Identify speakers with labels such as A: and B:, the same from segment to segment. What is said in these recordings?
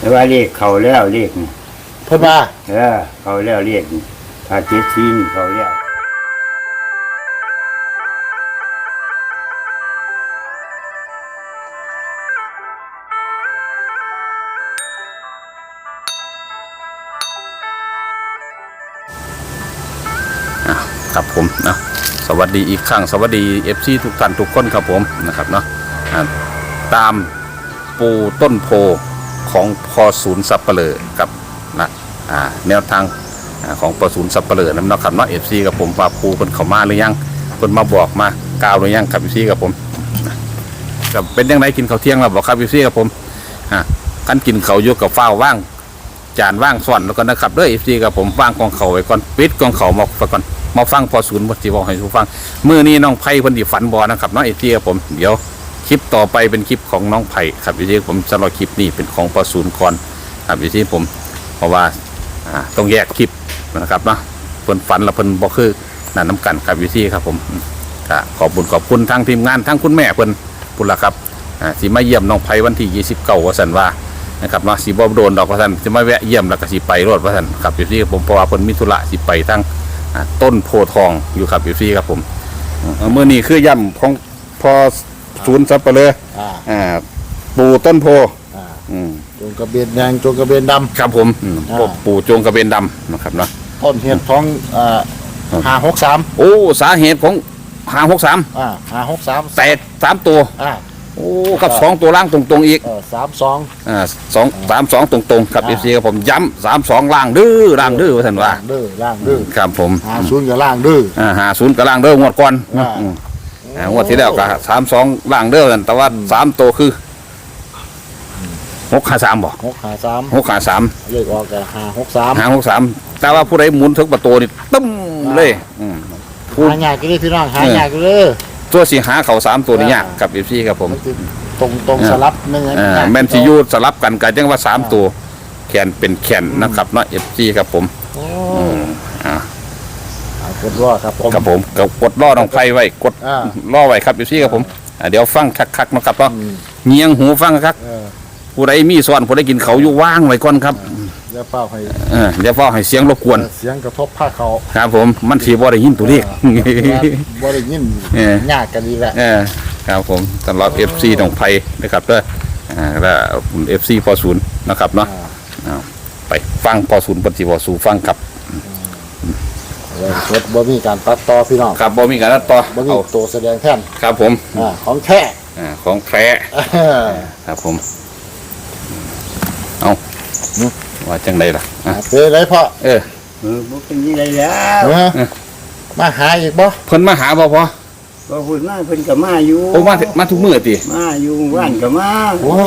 A: แต่ว่าเลขเขาแล้วเลขนี่
B: เพิ่นว่า
A: เขาแล้วเลขนี่ถ้าเจ็ดสี่นี่เขาแล้ว
C: ครับผมนะสวัสดีอีกครั้งสวัสดี FC ทุกท่านทุกคนครับผมนะครับเนาะตามปูต้นโพของพอศูนย์สับเปลือกับนะแนวทางของพอศูนย์สับเปลือนั่นนะครับเนาะ FC กับผมว่าปูคนเข้ามาหรือยังคนมาบอกมากล่าวหรือยังครับ FC กับผมกับเป็นยังไงกินข้าวเที่ยงแล้วบอกครับ FC กับผมกันกินข้าวอยู่กับฟ้าว่างจานว่างส่วนแล้วก็นะครับเด้อ FC กับผมว่างกองเขาไว้ก่อนปิดกองเขามาก่อนมาฟังพอศูนย์วัดจีบอกให้ทุกฟังมื้อนี้น้องไผ่เพิ่นสิฝันบ่นะครับเนาะ FC กับผมเดี๋ยวคลิปต่อไปเป็นคลิปของน้องไผ่ครับ FC ผมสำหรับคลิปนี้เป็นของพอศูนย์ก่อนครับ FC ผมเพราะว่าต้องแยกคลิปนะครับเนาะเพิ่นฝันแล้วเพิ่นบ่คือนั่นน้ำกันครับ FC ครับผมก็ขอบคุณทั้งทีมงานทั้งคุณแม่เพิ่นพุ่นล่ะครับสิมาเยี่ยมน้องไผ่วันที่29ว่าซั่นว่านะครับเนาะสิบ่โดนดอกว่าซั่นสิมาแวะเยี่ยมแล้วก็สิไปรถว่าซั่นครับ FC ผมเพราะว่าเพิ่นมีธุระสิไปทั้งต้นโพทองอยู่ครับFC ครับผมมื้อนี้คือย่ำของพอศูนย์สับเปลือปู่ต้นโพ
B: จงกระเบนแดงจงกระเบนดำ
C: ครับผมปู่จงกระเบนดำนะครับเนาะ
B: ต้นเหตุของ563
C: โอ้สาเหตุของ563
B: 563
C: แต่3ตัวโอ้กับ2ตัวล่างตรงๆอีก32 ตรงๆครับ FC ครับผมย้ำ32ล่างดื้อว่าท่านว่า
B: ล่างดื้อ
C: ครับผม
B: 50กับล่างดื้อ
C: 50กับล่างเด้องวดก่อนงวดที่แล้วก็32ล่างเด้อแต่ว่า3ตัวคือ653บ่653
B: เลขออกก็
C: 563แต่ว่าผู้ใดหมุนถึงประตูนี่ตึ้มเลย
B: หายากเลยพี่น้องหายากเลย
C: ตัวสิหาเขา3ตัวนี่ยากกับ FC ครับผม
B: ตรงสลับนึง
C: แม่นสิอยู่สลับกันก็จังว่า3ตัวแขนเป็นแขนนะครับเนาะ FC ครับผม
B: กดล้อครับ
C: ผมกดล้อน้องไฟไว้กดล้อไว้ครับ FC ครับผมเดี๋ยวฟังคักๆนะครับเนาะเงียงหูฟังคักผู้ใดมีส่วนผู้ใดกินเขาอยู่ว่างไว้ก่อนครับ
B: อย่าเฝ้า
C: ให้เสียงรบกวน
B: เสียงกระทบผ้าเขา
C: ครับผมมันสิบ่ได้ยินตัวเลข
B: บ่ได้ยินยากกันดีแหละ
C: ครับผมสำหรับ FC น้องไฟนะครับเด้อแล้ว FC พอศูนย์นะครับเนาะไปฟังพอศูนย์ปฏิบัติสู่ฟังครับ
B: บ่มีการตัดต่อพี่น้อง
C: ครับบ่มีการตัดต่อ
B: บ่มีตัวแสดงแทน
C: ครับผม
B: ของแท้
C: ครับผมเอาว่าจังไดล่ะ
B: เป็นไรพ่อ
A: บ่เป็นยังไงแล้ว
B: มาหาอีกบ่
C: เพิ่นมาหาบ่พอ
A: ก็พูดมาเพิ่นก็มาอยู่
C: โอ้มาทุกมื้อติ
A: มาอยู่บ้านก็มา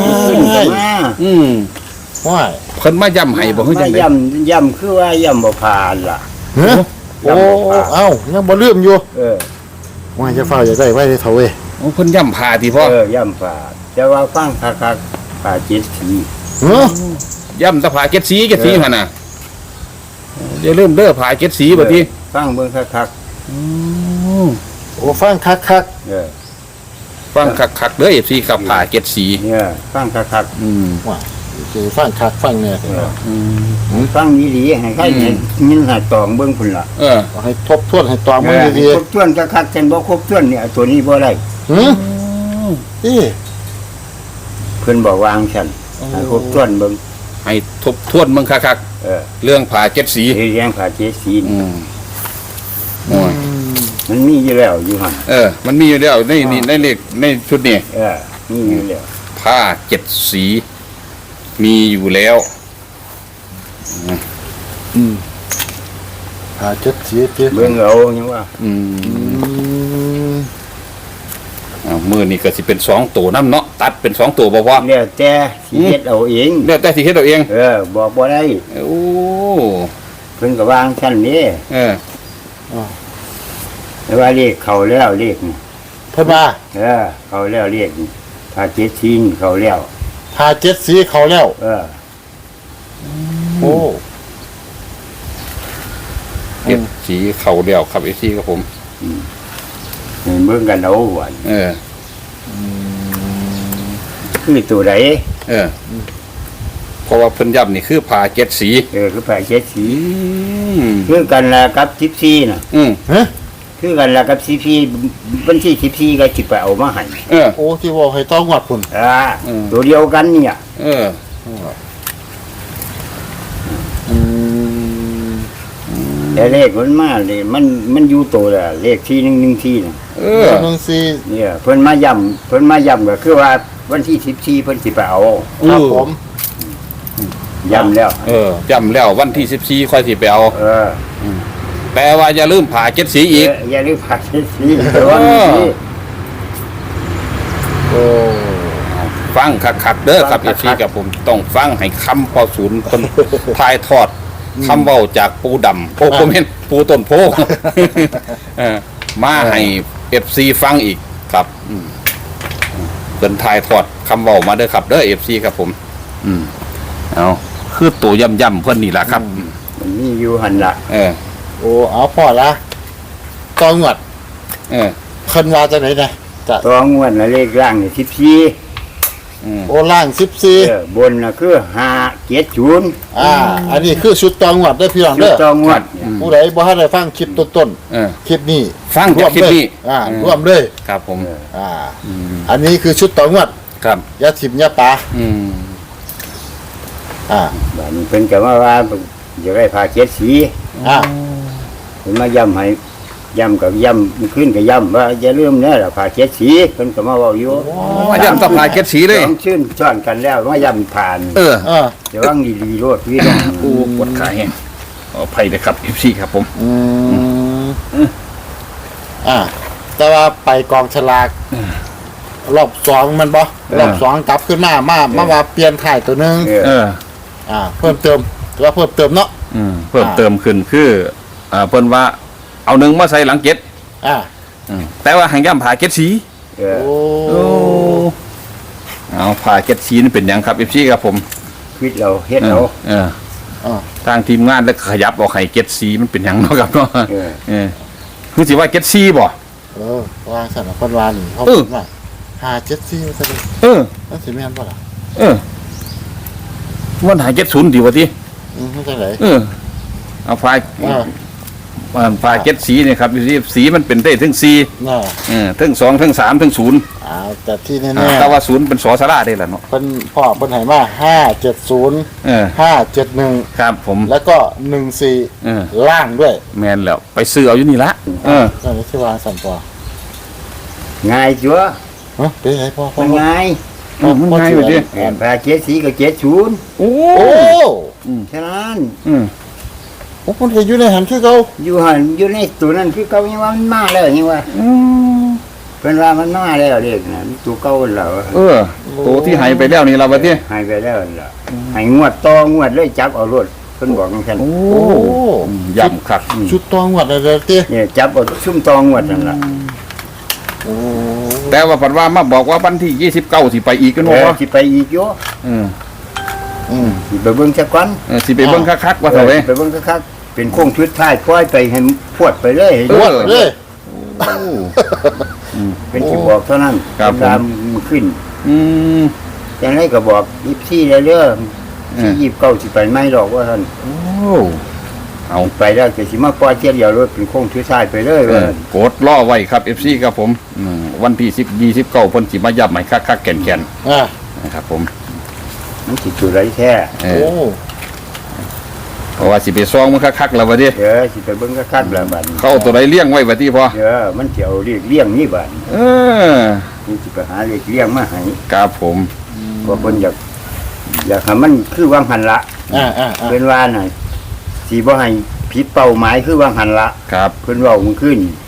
B: ว้าย
C: เพิ่นมาย้ำให้บ่ฮู้จังได๋
A: ย้ำคือว่าย้ำบ่ผ่านล่ะ
B: โอ้ยังบ่ลืมอยู่ว่าจะเฝ้าอย่าได้ไว้เท่าเว้ย
C: เพิ่นย้ำผ่าติพ่
A: อย่ำผ่าแต่ว่าฟังคักๆผ่าเจ็ดสี
C: ย่ำตะผ่าเจ็ดสีหั่นน่ะอย่าลืมเด้อผ่าเจ็ดสีบัดนี้
A: ฟังเบิ่งคัก
B: โอ้ฟังคัก
C: ฟังคักเด้อ FC ครับผ่าเจ็ดสี
A: ฟังคัก
B: ว่าคือฟังคักฟังเนี่ย
A: ฟังดีๆให้ใครเห็นยินหาตองเบิ่งพุ่นล่ะ
B: ให้ทบทวนให้ตองเบิ่งดี
A: ๆทบทวนคักๆจังบ่ครบถ้วนเนี่ยตัวนี้บ่ได้เพิ่นบอกวางฉันให้ครบถ้วนเบิ่ง
C: ให้ทบทวนเบิ่งคักๆเรื่องผ่าเจ็ดสี
A: เรื่องผ่าเจ็ดสีมันมีอยู่แล้วอยู่หั่น
C: มันมีอยู่แล้วในเลขในชุดนี้
A: มีอยู่แล้ว
C: ผ้าเจ็ดสีมีอยู่แล้ว
B: ผ่าเจ็ดสี
A: เบิ่งเอายังว่า
C: มือนี่ก็สิเป็น2ตัวน้ำเนาะตัดเป็น2ตัวบ่พอ
A: แล้วแต่สิเฮ็ดเอาเองบอกบ่ได้
C: โอ้
A: เพิ่นก็วางชั้นนี้แต่ว่าเลขเขาแล้วเลขนี่
B: เพิ่นว่า
A: เขาแล้วเลขนี่ถ้าเจ็ดสีเขาแล้ว
B: ถ้าเจ็ดสีเขาแล้วโอ้
C: เจ็ดสีเขาแล้วครับไอ้สีครับผม
A: เบิ่งกันเอาหวาน
C: คือ
A: ตัวไหน
C: เพราะว่าเพิ่นย้ำนี่คือผ่าเจ็ดสี
A: คือแผ่เจ็ดสี
C: อืม
A: คือกันละกับ14น่ะ
C: อืม
B: ฮะ
A: คือกันละกับ14วันที่14ก็สิไปเอามาให้
C: เออ
B: โอ้ที่ว่าให้ต้องวัดพุ่น
C: อืม
A: ตัวเดียวกันเนี่ย
C: เออ
B: อืม
A: แต่เลขมันมาเลยมันอยู่ตัวละเลขที่114น่ะ
C: เอ
B: เอ
C: อ
B: อนึงสี่
A: เนี่ยเพิ่นมาย้ำก็คือว่าวันที่14เพิ่นสิไปเอา
B: ครับผม
A: ย้ำแล้ว
C: เออย้ำแล้ววันที่14ค่อยสิไปเอา แต่ว่าอย่าลืมผ่าเจ็ดสีอีก
A: อย่าลืมผ่าเจ็ดสีแต่ว่ามีสี
B: โอ้
C: ฟังคักๆเด้อครับเอฟซีกับผมต้องฟังให้คำพอศูนย์คนทายทอดคำเว้าจากปูดำโอ้ผมเห็นปูต้นโพ เออมาให้เอฟซีฟังอีกครับเป็นทายทอดคำเว้ามาเด้อครับเด้อเอฟซีครับผม เอาคือตัวย่ำๆเพื่อนนี่แหละครับ
A: มันมีอยู่หันละ
C: เออ
B: โอ้เอาพอละต้องวัด
C: เออ
B: เพิ่นว่าจังไหนนะจะ
A: ตัวงวดละเลขล่างนี่14
B: โอ้ล่าง14
A: บนน่ะคือ570
B: อันนี้คือชุดตองวัดได้อพี่น้อง
A: ชุ
B: เด้
A: ด
B: อ
A: ตัวงวด
B: ผู้ใดบ่ทันได้ฟังคลิปต้น
C: เออ
B: ๆคลิปนี้
C: ฟังจากคลิปนี้
B: ร่วมเลย
C: ครับผม
B: อันนี้คือชุดตองวัด
C: ครับ
B: ยาถิ่มยาปลา
C: อืม
A: บัดนี้เพิ่นก็ว่าจะได้ผ่าเจ็ดสี
B: อ่า
A: เพิ่นมาย้ำให้ย้ำกับย้ำขึ้นกับย้ำว่าอย่าลืมนะล่ะผ่าเจ็ดสีเพิ่นก็มาเว้าอยู่
C: มาย่ำต้องผ่าเจ็ดสีเลย
A: สองชื่นซ้อนกันแล้วมาย้ำผ่าน
C: เออ
A: เดี๋ยวว่างดีๆโลดพี่น้อง
C: กูปวดขาแห้งขออภัยเลยครับเอฟซีครับผม
B: แต่ว่าไปกองฉลากรอบสองมันบ่รอบสองกลับขึ้นมาว่าเปลี่ยนถ่ายตัวหนึง
C: เออ
B: เพิ่มเติมถือว่าเพิ่มเติมเนาะ
C: เพิ่มเติมขึ้นคือเพิ่นว่าเอาหนึ่งมาใส่หลังเจ็ด
B: อ่า
C: แต่ว่าหางย่ำผ่าเจ็ดสี
A: เออ
B: โอ้
C: เอาผ่าเจ็ดสีนี่เป็นหยังครับเอฟซีครับผม
A: คิดเราเฮ็ดเรา
C: เออทางทีมงานแล้วขยับออกให้เจ็ดสีมันเป็นหยังเนาะครับเนาะคือสิว่าเจ็ดสีบ่
B: วางสันพันวานี่เขา
C: เออ
B: พูดว่า574ว่าซั่น
C: เออ
B: นั่นสิแม่นบ่ล่ะ
C: เออวันหาเจ็ดศูนย์ดีวะที
B: มันจังได๋
C: เออเอาผ่า ผ่าเจ็ดสีเนี่ยครับสีมันเป็นได้ถึงสี่
B: น่ะ
C: ถึงสองถึงสามถึงศูนย์
B: แต่ที่แน่
C: แต่ว่าศูนย์เป็นสอสาราได้แหละเนาะ
B: ๆเพิ่นพ่อเพิ่นให้มา570
C: เออ
B: 571
C: ครับผม
B: แล้วก็
C: เออ
B: 14ล่างด้วย
C: แมนแล้วไปซื้อเอาอยู่นี่ละเออ
B: นั่นสิวางสันต่อ
A: ง่ายจัว
B: ฮะเป็นไงพ่อ
A: มันง่าย
C: มันง่ายอยู่ดิ
A: ผ่าเจ็ดสีก็70
C: โอ้
B: โอ้
A: ฉะนั้น
B: โอ้คนเห็นอยู่ในหันคือเขา
A: อยู่หันอยู่ในตัวนั้นคือเก่ายังว่ามันมาแล้วยังว่าเพิ่นว่ามันมาแล้วเด็กน่ะตัวเก่าแล้ว
C: เออตัวที่หายไปแล้วนี่เราไปที่
A: หายไปแล้วล่ะให้งวดต่องวดเลยจับเอารถเพิ่นบอกจังซั่น
C: โอ้
B: โอ้
C: ย่ำครับ
B: ชุดตองวัดอะไรเตี้ย
A: เนี่ยจับเอาซุ่มต่องวดนั่นล่ะ
B: โอ้
C: แต่ว่าปัดว่ามาบอกว่าวันที่29สิไปอีกกัน
A: เออ
C: ว่า
A: สิไปอีกอยู่ สิไปเบิ่งซะก่อน
C: สิไปเบิ่งคักๆว่าเถอะเว้ย
A: ไปเบิ่งคักๆเป็นโค้งชุดท้ายปล่อยไปให้พวดไปเลย
C: เออ
B: เลย
A: เป็นสิบอกเท่านั้น
C: ครับผม
A: ตามขึ้น
C: อืม
A: จังไดก็บอก24แล้วเด้อที่29สิไปไม่ดอกว่าท่าน
C: โอ้เอา
A: ไปแล้วก็สิมาปล่อยเที่ยวเดียวรถเป็นโค้งชุดท้ายไปเลย
C: เอ
A: ว่า
C: อกดล่อไว้ครับ FC ครับผมวันที่10 29เพิ่นสิมายับใหม่คักๆแก่น
B: อ่า
C: ๆนะครับผม
A: มันสิจุดไรแท้
C: เอ
B: โอ้
C: อเพราะว่าสิไปซองมันคักๆแล้วว่าดิ
A: สิไปเบิ่งคักๆแล้วบัดนี้
C: เข้าตัวใดเลี้ยงไว้ว่าติพอ
A: มันสิเอาเรียกเลี้ยงนี่บัดนี้
C: เออ
A: นี่สิไปหาเรียกเลี้ยงมาให้
C: ครับผม
A: เพราะเพิ่นอยากให้มันคือวางหันละ
B: อ่า
A: เพิ่นว่าน่ะสิบ่ให้ผิดเป้าหมายคือวางหันละ
C: ครับ
A: เพิ่นเว้ามันขึ้น
B: อ